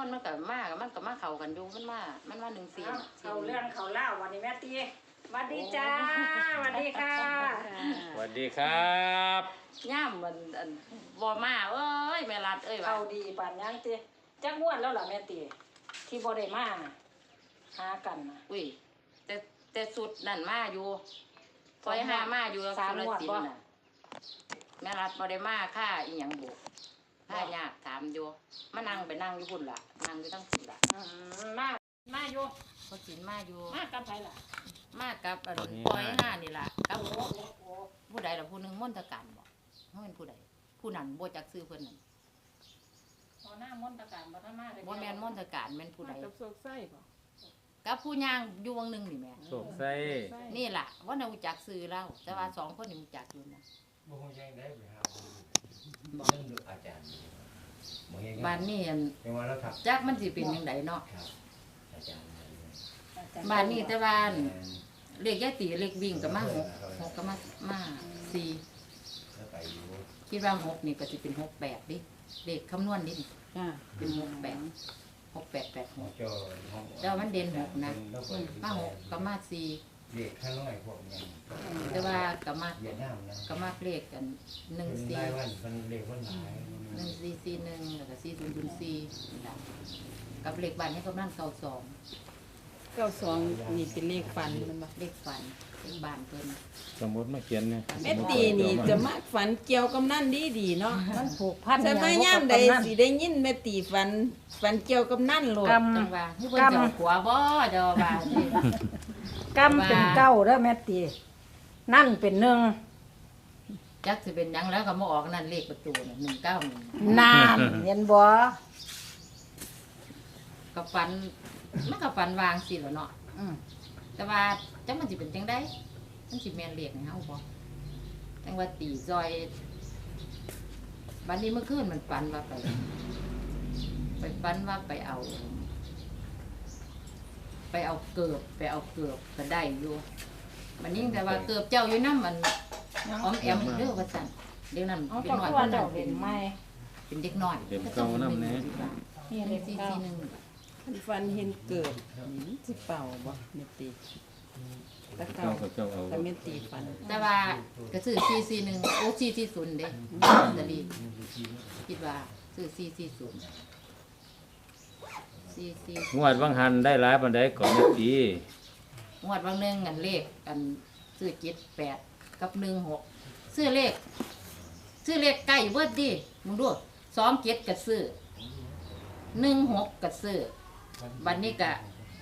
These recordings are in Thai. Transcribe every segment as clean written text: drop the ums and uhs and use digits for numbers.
มันก็มาเข้ากันอยู่มันว่า14 เขาเรื่องเขาเล่าวันนี้แม่ตีสวัสดีจ้าสวัสดีค่ะสวัสดีครับย่ามมันบ่มาเอ้ยแม่รัดเอ้ยว่าเขาดีปานยังตีจักงวดแล้วล่ะแม่ตีที่บ่ได้มาหากันนะอุ้ยแต่สุดนั่นมาอยู่คอยหามาอยู่สุรศิลป์น่ะแม่รัดบ่ได้มาค่าอีหยังบุค่ายากถามอยู่มานั่งไปนั่งอยู่พุ่นล่ะนั่งอยู่ทั้งพุ่นล่ะมาอยู่บ่สินมาอยู่มากับไผล่ะมากับปอยห้านี่ล่ะกับผู้ใดล่ะผู้นึงมนตการบ่เฮาเป็นผู้ใดผู้นั้นบ่จักชื่อเพิ่นนั่นพอหน้ามนตการบ่ทันมาเลยบ่แม่นมนตการแม่นผู้ใดกับโศกไส้บ่กับผู้ย่างอยู่วังนึงนี่แม่โศกไส้นี่ล่ะว่าน่ารู้จักชื่อเราแต่ว่า2คนนี่รู้จักอยู่นะบ่ฮู้จังได้ไปหาบ่ดูอาจารย์บ้านนี้เป็นว่าแล้วครับจักมันสิเป็นจังไดเนาะครับอาจารย์บ้านนี้แต่ว่าเลขยายตีเลขวิ่งก็มา6ก็มา4 แล้วไปอยู่คิดว่า6นี่ก็สิเป็น68ดิเลขคำนวณนี่เป็น68 68 จอห้องแต่มันเด่น6นะมา6ก็มา4 เด็กข้างน้อยพวกนี้แต่ว่าก็มาเวียดนามนะก็มาเลขกัน14 ได้วันเพิ่นเลขวันหลาย 1441แล้วก็4004นี่ล่ะกับเลขบ้านให้กำลัง92 นี่เป็นเลขฝันมันบ่เลขฝันเลขบ้านเพิ่นสมมติมาเขียนเนี่ยแม่ตีนี่จะมาฝันเกี่ยวกับนั่นดีๆเนาะมันผูกพันจะมาย่ามใดสิได้ยินแม่ตีฝันเกี่ยวกับนั่นโลดจังว่าคือเพิ่นเจ้าขัวบ่เจ้าว่านี่กำเป็นเก้าเด้อแม่ตีนั่นเป็นหนึ่งจักสิเป็นหยังแล้วก็มาออกนั่นเลขประตูน่ะ191 นานเห็นบ่ก็ฝันมันก็ฝันวางสิล่ะเนาะแต่ว่าจังมันสิเป็นจังได๋มันสิแม่นเลขให้เฮาบ่จังว่าตีซอยบัดนี้เมื่อคืนมันฝันว่าไปฝันว่าไปเอาเกือบก็ได้อยู่มันยิ่งแต่ว่าเกือบเจ้าอยู่นำมันอ้อมแอมเด้อว่าซั่นเดี๋ยวนั้นเป็นน้อยคนนั้นเป็นใหม่เป็นเด็กน้อยเต็มเก่านำแน่นี่เลข441 ฟันเห็นเกิดสิเป่าบ่แม่ตีตะเก่าแต่แม่ตีฟันแต่ว่าก็ซื้อ441โอ้440เด้ลอตเตอรี่คิดว่าซื้อ440 งวดวังหันได้หลายปานใดก่อนแม่ตีงวดบางนึงอันเลขอันซื้อ78กับ16ซื้อเลขใกล้เบิดดิมึงดู27ก็ซื้อ16ก็ซื้อบัดนี้ก็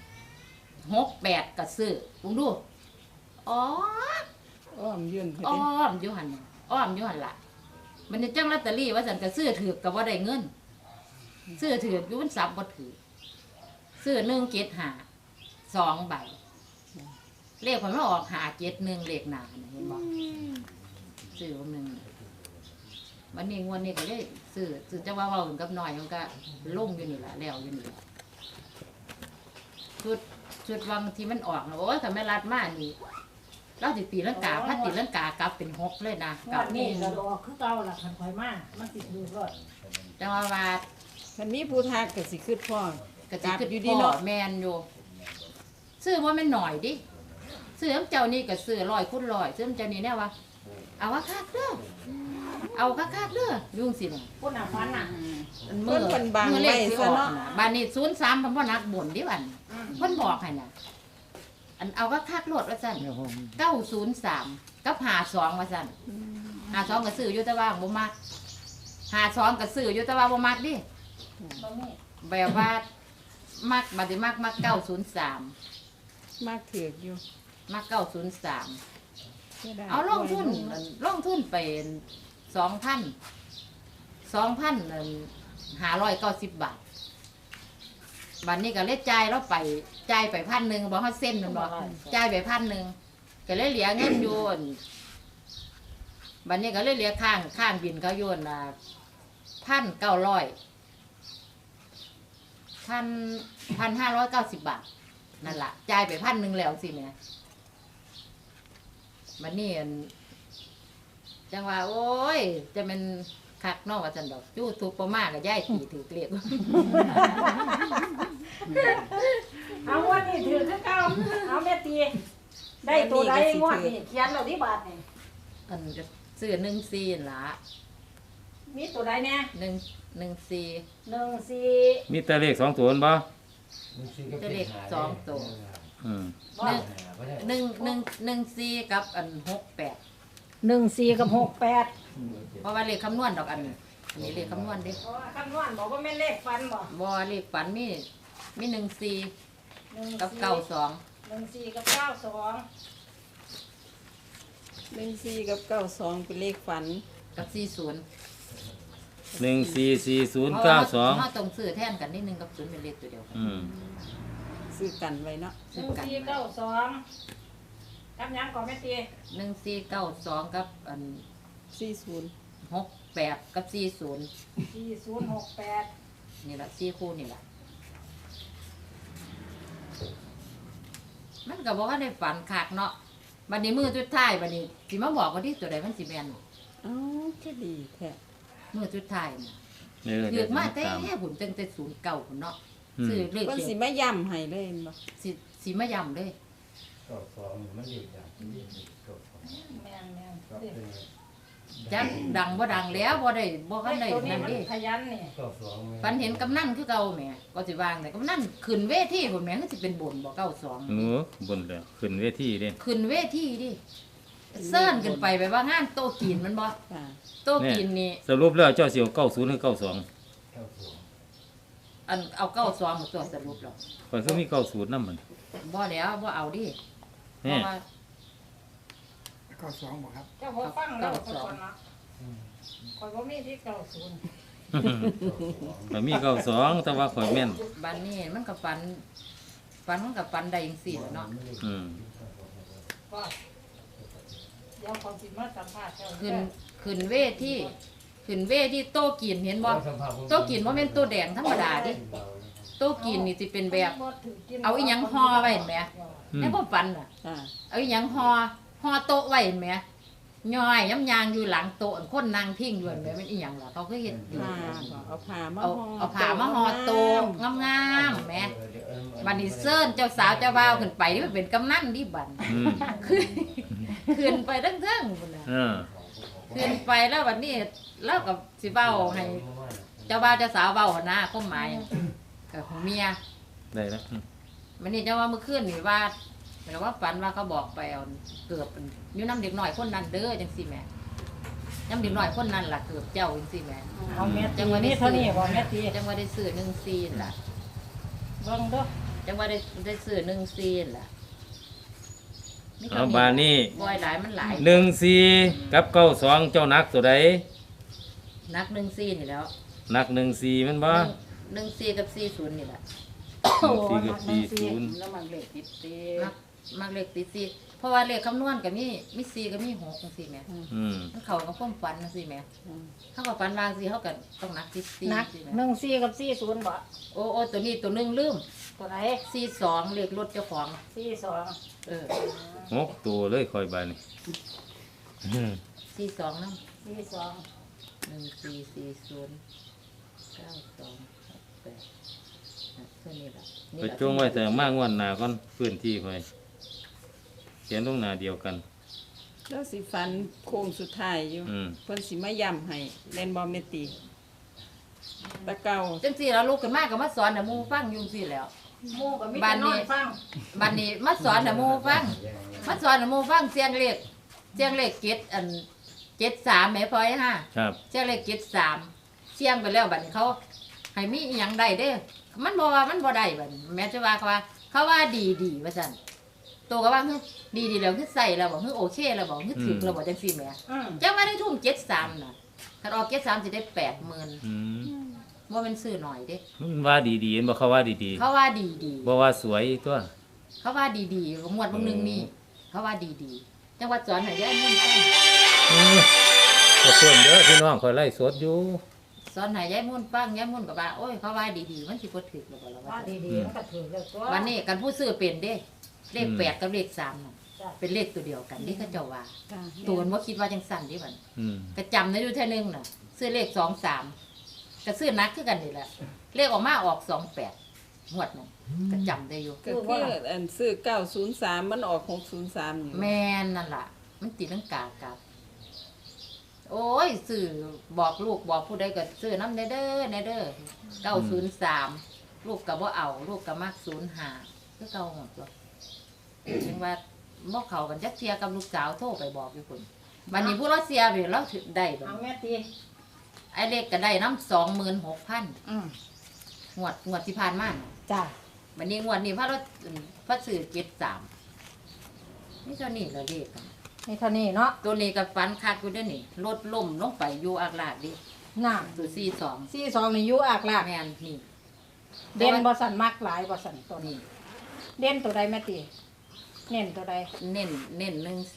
68ก็ซื้อมึงดูอ้อมอยู่หั่นล่ะมันจะจังลอตเตอรี่ว่าซั่นก็ซื้อถูกก็บ่ได้เงินซื้อถูกอยู่มันสับบ่ถูกซื้อ175 2ใบเลขมันออก571เลขหน้าน่ะเห็นบ่ซื้อนึงวันนี้งวดนี้ก็เลยซื้อจะว่าเว้ากับน้อยมันก็ลงอยู่นี่ล่ะแล้วอยู่นี่ชุดวังที่มันออกนะโอ้ยถ้าแม่รัดมานี่เราสิตีลังกาพัดตีลังกากลับเป็น6เลยนะกับนี่ก็ออกคือเก่าล่ะคันข่อยมามันสิดูรถแต่ว่าคันมีผู้ทักก็สิคิดพ่อก็สิคิดอยู่ดีเนาะแม่นอยู่ซื้อบ่แม่นหน่อยดิซื้อเจ้านี่ก็ซื้อ100คูณ100ซื้อเจ้านี่แน่ว่าเอาคักเด้อเอาคักเด้อยุ่งสิน่ะพุ่นน่ะฟันน่ะมือเพิ่นบังไว้ซะเนาะบ้านนี้03เพิ่นบ่นักบ่นดิบัดเพิ่นบอกให้น่ะอันเอาคักโลดว่าซั่น903กับ52ว่าซั่น52ก็ซื้ออยู่แต่ว่าบ่มัก52ก็ซื้ออยู่แต่ว่าบ่มักดิแบบว่ามักบัดนี้มัก903 มากถือกอยู่มัก903เอาลงทุนไป2,590 บาทบัดนี้ก็เลยจ่ายเราไปจ่ายไป1,000บ่เฮาเซ็นมันบ่จ่ายไป1,000ก็เลยเหลือเงินอยู่บัดนี้ก็เลยเหลือข้างบินเขาอยู่น่ะ1,590 บาทนั่นล่ะจ่ายไป1,000แล้วสิแม่บัดนี้จังว่าโอ้ยจะเป็นคักเนาะว่าซั่นดอกจู้ทุกประมาก็ย้ายตีถือเกลียดเอางวดนี้ถือคือเก่าเอาแม่ตีได้ตัวใดงวดนี้เขียนแล้วที่บาทนี่อันก็ซื้อ14นั่นล่ะมีตัวใดเนี่ย 114 14 มีแต่เลข2ตัวนั่นบ่จะเลขสองตัวอืมบ่ 14กับอัน68 14กับ68 เพราะว่าเลขคำนวณดอกอันนี้อันนี้เลขคำนวณเด้เพราะว่าคำนวณบอกว่าแม่นเลขฟันบ่บ่เลขฝันมี14กับ92 14กับ92 14กับ92เป็นเลขฝันกับ40 144092 เฮาต้องซื้อแทนกันนิดนึงกับ0เป็นเลขตัวเดียวกันอืมซื้อกันไว้เนาะซื้อกัน 1492กับหยังก่อนแม่ตี 1492กับอัน 40 68กับ40 4068 นี่ล่ะ4คู่นี่ล่ะมันก็บอกว่าได้ฝันคักเนาะบัดนี้มือสุดท้ายบัดนี้สิมาบอกว่าที่ตัวใดมันสิแม่นเอ้าก็ดีแท้มือสุดท้ายน่ะนี่ก็ถืเดี๋ยอวมามาแต่ตามหุ่นตั้งแต่09พุ่นเนาะอืมซื้อเลขเพิ่นเดีสิยวมาย้ำให้เลยเห็นบ่สิมาย่ำเลยก็สองมันอยู่อย่างนี้ก็สองแม่นก็เป็นจักดังบ่ดังแล้วบ่ได้บ่ๆคันได้ตัวนี้นั่นมันเดิขยันนี่ก็สองฝันเห็นกำนันคือเก่าแหม่ก็สิวางแต่กำนันขึ้นเวทีพุ่นแหม่คือสิเป็นบุญบ่92 โอ้บนแล้วขึ้นเวทีเด้ขึ้นเวทีดิเซิ้นขึ้นไปแบบว่างานโต๊ะกินมันบ่ค่ะโต๊ะกินนี่สรุปแล้วเจ้าสิเอา90หรือ92 ก็สองอันเอา92มาตัวสรุปแล้วข่อยคือมี90นำมันบ่แล้วบ่เอาดิเพแน่ราะว่าเจ้าบ่ฟังแล้วคนก่อนเนาะข่อยบ่มีที่90 ข่อยมี92แต่ว่าข่อยแม่นบัดนี้มันก็ฝันมันก็ฝันได้จังซี่แหละเนาะอืมว่าเดี๋ยวเขาสิมาสัมภาษณ์เจ้าขึ้นเวทีโต๊ะกินเห็นบ่โต๊ะกินบ่แม่นโต๊ะแดงธรรมดาดิโต๊ะกินนี่สิเป็นแบบเอาอีหยังห่อไว้เห็นไหมอืมในบ่ฝันน่ะค่ะเอาอีหยังห่อโต๊ะไว้เห็นไหมย่อยย้ำยางอยู่หลังโต๊ะคนนั่งพิงอยู่เห็นไหมมันอีหยังล่ะเขาก็เฮ็ดอยู่ผ้าบ่เอาผ้ามาเอาห่อเอาผ้ามาห่อโต๊ะงามๆแหมบัดนี้เซิ้นเจ้าสาวเจ้าบ่าวขึ้นไปนี่มันเป็นกำนันดิบัดอืมขึ้นไปเทั้งๆพุ่นน่ะเออขึ้นไปแล้วบัดนี้เราก็สิเว้าให้เจ้าบ่าวเจ้าสาวเว้าหั่นนะความหมายกับของเมียได้แล้วอืมมันนี่เจ้าว่าเมื่อคืนนี่ว่าหมายถึงว่าฝันว่าเขาบอกไปเอาเกือบอยู่น้ำเด็กหน่อยคนนั้นเด้อจังซี่แหม่น้ำเด็กหน่อยคนนั้นล่ะเกือบเจ้าจังซี่แหม่เอาแม่ตีนี่เท่านี้บ่แม่ตีจังว่าได้ซื้อ1ซีนล่ะเบิ่งเด้อจังว่าได้ซื้อ1ซีนล่ะมีเอาคำบาดนี้บ่อยหลายมันหลาย 14กับ92เจ้านักตัวใดนัก1ซีนนี่แล้วนัก14แม่นบ่ 1ซีกับ40นี่แหละ 14กับ40 แล้วมันเลขติดเตมักเลขติดซีเพราะว่าเลขคำนวณก็มี4ก็มี6จังซี่แหม่อืมมันเข้ากับความฝันจังซี่แหม่เขาก็ฝันว่าจังซี่เขาก็ต้องนักติดซีนักจังซี่แหม่ 14กับ40บ่โอ้ตัวนี้ตัวหนึงลืมตัวไหน 42เลขรถเจ้าของ 42 เออ 6ตัวเลยข่อยบาดนี้อืม 42นำ 42 1440 92 68ตัวนี้ล่ะไปจงไว้แต่มางวดหน้าก่อนพื้นที่ข่อยเขียนลงหน้าเดียวกันแล้วสิฟันโค้งสุดท้ายอยู่อืมเพิ่นสิมาย้ำให้เล่นบ่แม่ตีตะเก่าจังซี่แล้วลูกขึ้นมาก็มาสอนให้หมู่ฟังอยู่จังซี่แหล้วหมู่ก็มีบ้าแต่นนนี้อนฟังบัดนี้มาสอนให้หมู่ฟังมาสอนให้หมู่ฟังเสียงเลขเก็ดอัน73แม่พลอยฮะครับเสียงเลข73เสียงไปแล้วบัดนี้เขาให้มีอีหยังได้เด้อมันบ่ว่ามันบ่ได้บัดนี้แม่จะว่าเขาว่าดีว่าซั่นโตก็ว่าเฮ้ยดีแล้วคือใส่แล้วบ่คือโอเคแล้วบ่คือถึกแล้วบ่จังซี่แหม่อืมจังว่าได้ทุ่ม73น่ะคันออก73สิได้ 80,000 อืมบ่แม่นซื้อหน่อยเด้มันว่าดีๆเห็นบ่เขาว่าดีเขาว่าดีๆบ่ว่าสวยตัวๆเขาว่าดีๆงวดบางนึงนี่เขาว่าดีๆจังว่าสอนให้ยายมุ่นฟังอืมขอบคุณเด้อพี่น้องข่อยไล่สดอยู่สอนให้ยายมุ่นฟังยายมุ่นก็ว่าโอ้ยเขาว่าดีๆมันสิบ่ถึกแล้วบ่ล่ะว่าว่าดีๆมันก็ถือแล้วตัววันนี้กันผู้ซื้อเป็นเด้เลข8กับเลข3น่ะจ้ะเป็นเลขตัวเดียวกันนี่เขาเจ้าว่าค่ะตัวมันบ่คิดว่าจังสั่นเดิบัดอืมก็จำได้อยู่เท่านึงน่ะซื้อเลข23ก็ซื้อนักคือกันนี่แหละเลขออกมาออก28 หวดนั่นก็จำได้อยู่ก็คืออันซื้อ903มันออก603นี่แม่นนั่นล่ะ มันตีลังกากับ โอ้ยซื้อบอกลูกบอกผู้ใดก็ซื้อน้ำเด้อ903ลูกก็บ่เอาลูกก็มัก05คือเก่าหมดตัวถึงว่าบ่เข้ากันจักเที่ยกับลูกสาวโทรไปบอกอยู่พุ่นบัดนี้ผู้รัสเซียเว้ยเราถึงได้บัดเอานี้แม่ตีไอ้เล็กก็ได้น้ำ26,000 อืมงวดที่ผ่านมาน่ะจ้าวันนี้งวดนี้พระสื่อ73นี่เท่านี้ละเลขอะนี่เท่านี้เนาะตัวนี้กับฟันคักอยู่เด้อนี่รถล่มลงไปอยู่อากลาดดิน่ะตัว42 42นี่อยู่อากลากแม่นนี่เด่นบ่สั่นมักหลายบ่สั่นตัวนี้นี่เด่นตัวใดแม่ตีเน้นตัวใดเน้น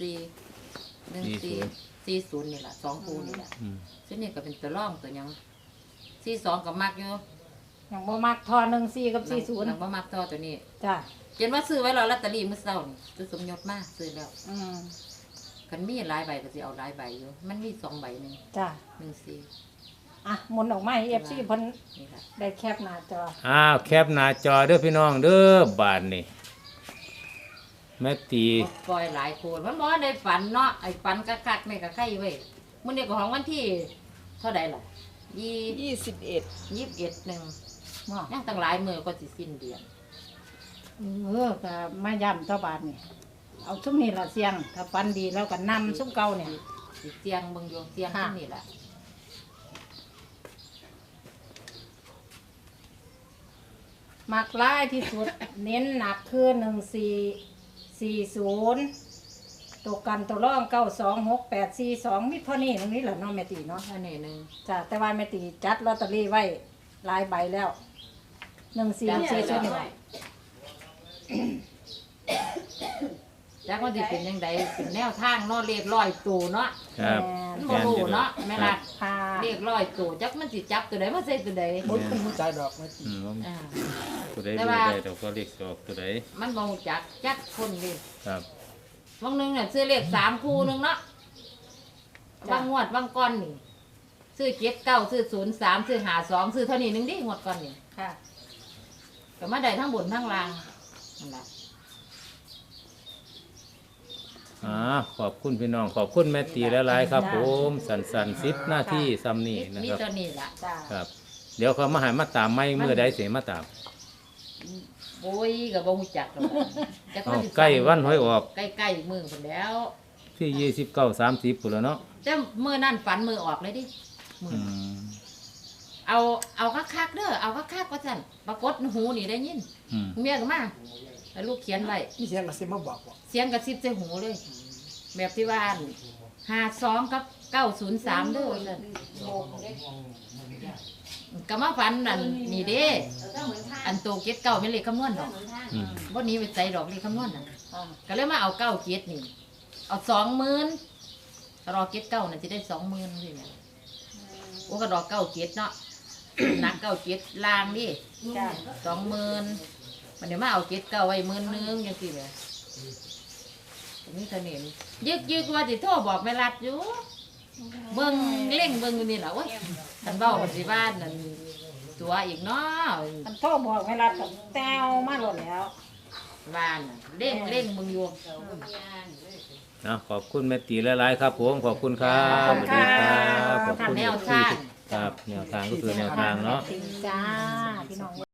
40นี่ล่ะ2คู่นี่ล่ะอืมซึ่งนี่ก็เป็นตัวร่องตัวหยัง42ก็มักอยู่ยังบ่มักทอ14กับ40 นังบ่มักต่อตัวนี้จ้าเห็นว่าซื้อไว้แล้วลอตเตอรี่มื้อเช้านี่ซื้อสมยศมาซื้อแล้วอืมคันมีหลายใบก็สิเอาหลายใบอยู่มันมี2ใบหนึงจ้า 14 อ่ะหมุนออกมาให้ FC เพิ่นนี่ล่ะได้แคปหน้าจออ้าวแคปหน้าจอเด้อพี่น้องเด้อบาดนี่แม่ตีปล่อยหลายโคนมันบ่ได้ฝันเนาะไอ้ฝันคักๆนี่ก็ใครเว้ยมื้อนี้ก็ของวันที่เท่าใดล่ะ 21 21นึงว่ายังตั้งหลายมื้อก็สิสิ้นเดือนก็มาย้ำต่อบาทนี่เอาซุ้มนี่ละเสียง ถ้าฟันดีแล้วก็นำซุ้มเก่าเนี่ยสิเสียงเบิ่งอยู่เสียงค่ะที่นี่ล่ะมักร้ายที่สุด เน้นหนักคือ1440ตัวกันตัวร่อง926 842มิเท่านี้ตรงนี้แหละเนาะแม่ตีเนาะเท่านี้หนึงจ้ะแต่ว่าแม่ตีจัดลอตเตอรี่ไว้หลายใบแล้ว1440นี่แหละจักว่าสิเป็นจังไดเป็นแนวทางเนาะเลขร้อยตัวเนาะครับมันบ่รู้เนาะแม่ล่ะค่ะเลขร้อยตัวจักมันสิจับตัวใดมาใส่ตัวใดบุญเป็นผู้ใจดอกแม่ตีอืมว่าอ่าตัวใดแต่รู้ว่าได้แต่ก็เลขออกตัวใดมันบ่รู้จักจักคนเด้ครับบางหนึงเนี่ยซื้อเลข3คู่หนึงเนาะบางงวดบางก้อนนี่ซื้อ79ซื้อ03ซื้อ52ซื้อเท่านี้หนึงดิงวดก่อนนี่ค่ะก็มาได้ทั้งบนทั้งล่างนั่นล่ะขอบคุณพี่น้องขอบคุณแม่ตีหลายๆครับผมสัน10 นาทีซ้ำนี่นะมีครับตัวนี้ล่ะจ้าครับ เดี๋ยวเขามาหามาตามไม่เมื่อใดเสียมาตามโอ้ยก็บ่ฮู้จักหรอกจักเอามันสิใกล้วันหวยออกใกล้ๆมื้อพุ่นแล้วที่29 30พุ่นแล้วเนาะแต่มื้อนั้นฝันมื้อออกเลยดิมื้ออืนั้นมเอาคักๆเด้อเอาคักๆว่าซั่นปรากฏหูนี่ได้ยินอืมเมียก็มาแล้วลูกเขียนไว้มีเสียงกระซิบมาบอกว่าเสียงกระซิบใส่หูเลย แบบที่ว่า52กับ903เด้อว่าซั่นก็มาฝันนั่นนี่เด้อันโตเก็ดเก้าเป็นเลขคำนวณดอกอืมบ่หนี้ไปใส่ดอกเลขคำนวณนั่นอ่าก็เลยมาเอาเก้าเก็ดนี่ เอา20,000รอเก็ดเก้าน่ะสิได้20,000นี่แหละโอ้ก็รอเก้าเก็ดเนาะ หนักเก้าเก็ดล่างดิจ้า 20,000มันเดี๋ยวมาเอาเก็ดเก้าไว้10,000จังซี่แหละนี่เท่านี้ยึกว่าสิโทรบอกแม่รัดอยู่เบิ่งเล่งเบิ่งอยู่นี่ล่ะโอ้ยคันเว้าสิว่านั่นตัวอีกเนาะอันโทรบอกเวลากับแต้วมาหมดแล้วว่าน่ะเล่งเบิ่งอยู่ขอบคุณแม่ตีหลายๆครับผมขอบคุณครับขอบคุณค่ะขอบคุณแนวทางครับแนวทางก็คือแนวทางเนาะจ้าพี่น้อง